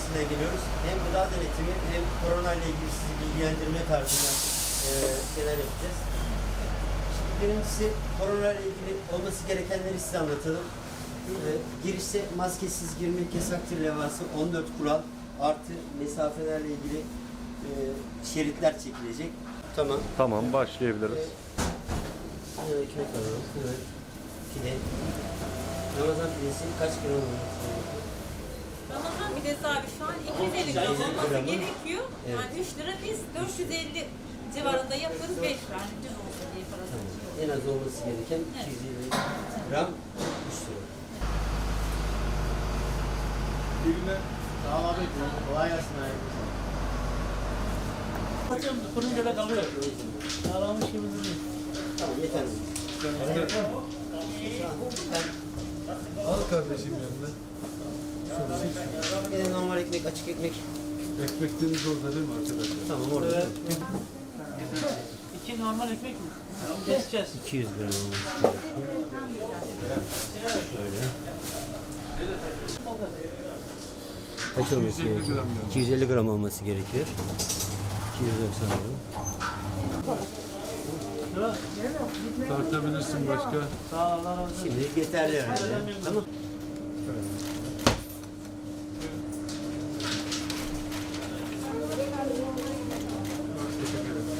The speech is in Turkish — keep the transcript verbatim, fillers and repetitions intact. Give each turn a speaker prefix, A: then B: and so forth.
A: Belediyesi'ne geliyoruz. Hem gıda denetimi hem korona ile ilgili sizi bilgilendirme tarzında e, şeyler yapacağız. Şimdi birincisi korona ile ilgili olması gerekenleri size anlatalım. E, girişte maskesiz girmek yasaktır levhası, on dört kural artı mesafelerle ilgili e, şeritler çekilecek. Tamam.
B: Tamam, başlayabiliriz.
A: E, ekmek alalım. Evet. Pide. Ramazan pidesi kaç gram olması gerekiyor?
C: Ramazan pidesi abi şu an iki yüz elli gram olması
A: gramı.
C: gerekiyor.
A: Evet.
C: Yani üç lira, biz dört yüz elli civarında yapıyoruz, beş lira. Yani düz olsun diye parası.
A: Tamam. En az olması gereken iki yüz elli gram üç lira.
D: İyi günler. Sağ ol abi. Kolay gelsin abi. Atıyorum fırınca da kalıyor. Sağlamış gibi duruyor.
A: Tamam yeter mi?
D: Al kardeşim yanına.
A: Bir de normal ekmek, açık ekmek.
D: Ekmekleriniz orada değil mi arkadaşlar?
A: Tamam orada.
E: İki normal ekmek mi? Keseceğiz.
A: iki yüz gram olması Şöyle. Kaç olması gerekiyor? iki yüz elli gram olması gerekiyor. iki yüz doksan gram.
D: Tartabilirsin başka.
E: Sağ ol, Allah razı olsun.
A: Şimdi yeterli herhalde. Tamam.
D: Evet.